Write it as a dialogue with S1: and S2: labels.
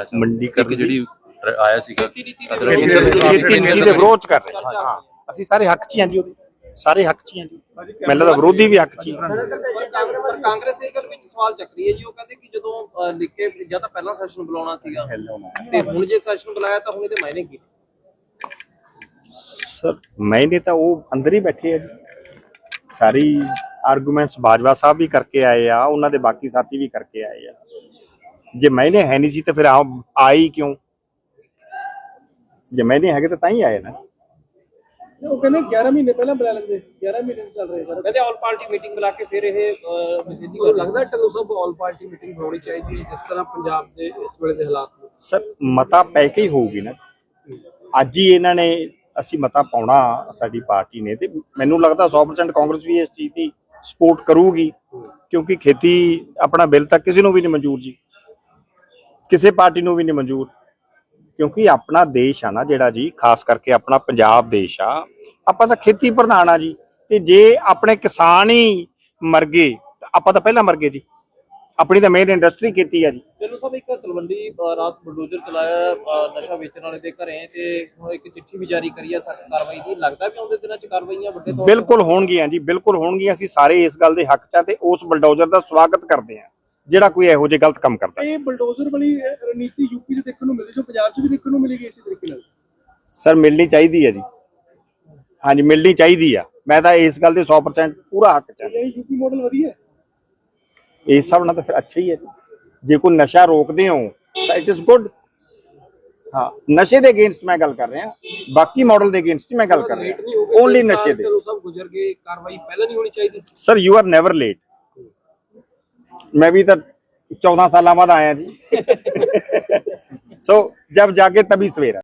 S1: ਕਹਿਣਾ ਚਾਹੁੰਦੇ
S2: ਮੰਡੀਕਰਨ
S1: ਜਿਹੜੀ ਆਇਆ ਸੀਗਾ
S2: ਖੇਤੀ ਨੀਤੀ ਦੇ ਵਿਰੋਧ ਚ ਕਰ ਰਹੇ ਹਾਂ। ਅਸੀਂ ਸਾਰੇ ਹੱਕ ਚ ਹਾਂ ਜੀ, ਉਹਦੇ ਸਾਰੇ ਹੱਕ ਚ ਹਾਂ ਜੀ। ਮੈਨੂੰ ਲੱਗਦਾ ਵਿਰੋਧੀ ਵੀ ਹੱਕ ਚ ਹੀ।
S3: ਪਰ ਕਾਂਗਰਸ ਇਹ ਗੱਲ ਵਿੱਚ ਸਵਾਲ ਚੱਕ ਰਹੀ ਹੈ ਜੀ। ਉਹ ਕਹਿੰਦੇ ਕਿ ਜਦੋਂ ਲਿਖ ਕੇ ਜਾਂ ਤਾਂ ਪਹਿਲਾਂ ਸੈਸ਼ਨ ਬੁਲਾਉਣਾ ਸੀਗਾ ਤੇ ਹੁਣ ਜੇ ਸੈਸ਼ਨ ਬੁਲਾਇਆ ਤਾਂ ਹੁਣ ਇਹਦੇ ਮਾਇਨੇ ਕੀ?
S2: ਸਰ ਮੈਨੇ ਤਾਂ ਉਹ ਅੰਦਰ ਹੀ ਬੈਠੇ ਆ ਜੀ। ਸਾਰੀ ਆਰਗੂਮੈਂਟਸ ਬਾਜਵਾ ਸਾਹਿਬ ਵੀ ਕਰਕੇ ਆਏ ਆ, ਉਹਨਾਂ ਦੇ ਬਾਕੀ ਸਾਥੀ ਵੀ ਕਰਕੇ ਆਏ ਆ। ਜੇ ਮੈਨੇ ਹੈ ਨਹੀਂ ਸੀ ਤਾਂ ਫਿਰ ਆਈ ਕਿਉਂ? ਜੇ ਮੈਨੇ ਹੈਗੇ ਤਾਂ ਹੀ ਆਏ ਨਾ।
S3: ਉਹ ਕਹਿੰਦੇ 11 ਮਹੀਨੇ ਪਹਿਲਾਂ ਬੁਲਾ ਲੈਂਦੇ, 11 ਮਹੀਨੇ ਚੱਲ ਰਹੇ ਸਰ। ਕਹਿੰਦੇ ਆਲ ਪਾਰਟੀ ਮੀਟਿੰਗ ਬੁਲਾ ਕੇ ਫਿਰ ਇਹ ਲੱਗਦਾ ਟੱਲੂ ਸਾਹਿਬ ਆਲ ਪਾਰਟੀ ਮੀਟਿੰਗ ਹੋਣੀ ਚਾਹੀਦੀ ਹੈ ਜਿਸ ਤਰ੍ਹਾਂ ਪੰਜਾਬ ਦੇ ਇਸ ਵੇਲੇ ਦੇ ਹਾਲਾਤ ਨੇ।
S2: ਸਰ ਮਤਾ ਪੈ ਕੇ ਹੀ ਹੋਊਗੀ ਨਾ। ਅੱਜ ਹੀ ਇਹਨਾਂ ਨੇ ਅਸੀਂ ਮਤਾ ਪਾਉਣਾ ਸਾਡੀ ਪਾਰਟੀ ਨੇ, ਤੇ ਮੈਨੂੰ ਲੱਗਦਾ 100% ਕਾਂਗਰਸ ਵੀ ਇਸ ਚੀਜ਼ ਦੀ ਸਪੋਰਟ ਕਰੂਗੀ, ਕਿਉਂਕਿ ਖੇਤੀ ਆਪਣਾ ਬਿੱਲ ਤਾਂ ਕਿਸੇ ਨੂੰ ਵੀ ਨਹੀਂ ਮਨਜ਼ੂਰ ਜੀ, ਕਿਸੇ ਪਾਰਟੀ ਨੂੰ ਵੀ ਨਹੀਂ ਮਨਜ਼ੂਰ, ਕਿਉਂਕਿ ਆਪਣਾ ਦੇਸ਼ ਆ ਨਾ ਜਿਹੜਾ ਜੀ, ਖਾਸ ਕਰਕੇ ਆਪਣਾ ਪੰਜਾਬ ਦੇਸ਼ ਆ, ਆਪਾਂ ਤਾਂ ਖੇਤੀ ਪ੍ਰਧਾਨ ਆ ਜੀ। ਤੇ ਜੇ ਆਪਣੇ ਕਿਸਾਨ ਹੀ ਮਰ ਗਏ ਤਾਂ ਆਪਾਂ ਤਾਂ ਪਹਿਲਾਂ ਮਰ ਗਏ ਜੀ। ਆਪਣੀ ਤਾਂ ਮੇਨ ਇੰਡਸਟਰੀ ਖੇਤੀ ਆ ਜੀ।
S3: ਚਲੋ ਸਾਹਿਬ, ਇੱਕ ਤਲਵੰਡੀ ਰਾਤ ਬਲਡੋਜ਼ਰ ਚਲਾਇਆ ਨਸ਼ਾ ਵੇਚਣ ਵਾਲੇ ਦੇ ਘਰੇ, ਤੇ ਹੁਣ ਇੱਕ ਚਿੱਠੀ ਵੀ ਜਾਰੀ ਕਰੀ ਹੈ ਸਖਤ ਕਾਰਵਾਈ ਦੀ। ਲੱਗਦਾ ਵੀ ਆਉਂਦੇ ਦਿਨਾਂ 'ਚ ਕਾਰਵਾਈਆਂ ਵੱਡੇ ਤੌਰ
S2: ਬਿਲਕੁਲ ਹੋਣਗੀਆਂ ਜੀ, ਬਿਲਕੁਲ ਹੋਣਗੀਆਂ। ਅਸੀਂ ਸਾਰੇ ਇਸ ਗੱਲ ਦੇ ਹੱਕ 'ਚ ਆ ਤੇ ਉਸ ਬਲਡੋਜ਼ਰ ਦਾ ਸਵਾਗਤ ਕਰਦੇ ਹਾਂ ਜਿਹੜਾ ਕੋਈ ਇਹੋ ਜਿਹੇ ਗਲਤ ਕੰਮ ਕਰਦਾ।
S3: ਇਹ ਬਲਡੋਜ਼ਰ ਵਾਲੀ ਰਣਨੀਤੀ ਯੂਪੀ 'ਚ ਦੇਖਣ ਨੂੰ ਮਿਲਦੀ, ਜੋ ਪੰਜਾਬ 'ਚ ਵੀ ਦੇਖਣ ਨੂੰ ਮਿਲੇਗੀ ਇਸੇ ਤਰੀਕੇ ਨਾਲ।
S2: ਸਰ ਮਿਲਣੀ ਚਾਹੀਦੀ ਹੈ ਜੀ, ਹਾਂਜੀ ਮਿਲਣੀ ਚਾਹੀਦੀ ਆ। ਮੈਂ ਤਾਂ ਇਸ ਗੱਲ ਦੇ 100% ਪੂਰਾ ਹੱਕ 'ਚ ਆ।
S3: ਯੂਪੀ ਮਾਡਲ ਵਧੀਆ ਹੈ
S2: ਇਸ ਹਿਸਾਬ ਨਾਲ ਤਾਂ ਫਿਰ ਅੱਛਾ ਹੀ ਹੈ। ਜੇ ਕੋਈ ਨਸ਼ਾ ਰੋਕਦੇ ਹੋ ਤਾਂ ਇਟ ਇਜ਼ ਗੁੱਡ। ਹਾਂ, ਨਸ਼ੇ ਦੇ ਅਗੇਂਸਟ ਮੈਂ ਗੱਲ ਕਰ ਰਿਹਾ, ਬਾਕੀ ਮਾਡਲ ਦੇ ਅਗੇਂਸਟ ਮੈਂ ਗੱਲ ਕਰ ਰਿਹਾ। ਓਨਲੀ ਨਸ਼ੇ ਦੇ।
S3: ਸਭ ਗੁਜ਼ਰ ਗਏ, ਕਾਰਵਾਈ ਪਹਿਲਾਂ ਨਹੀਂ ਹੋਣੀ ਚਾਹੀਦੀ ਸੀ।
S2: Sir you are never late. मैं भी तो 14 साल बाद आया जी। सो जब जागे तभी सवेरा।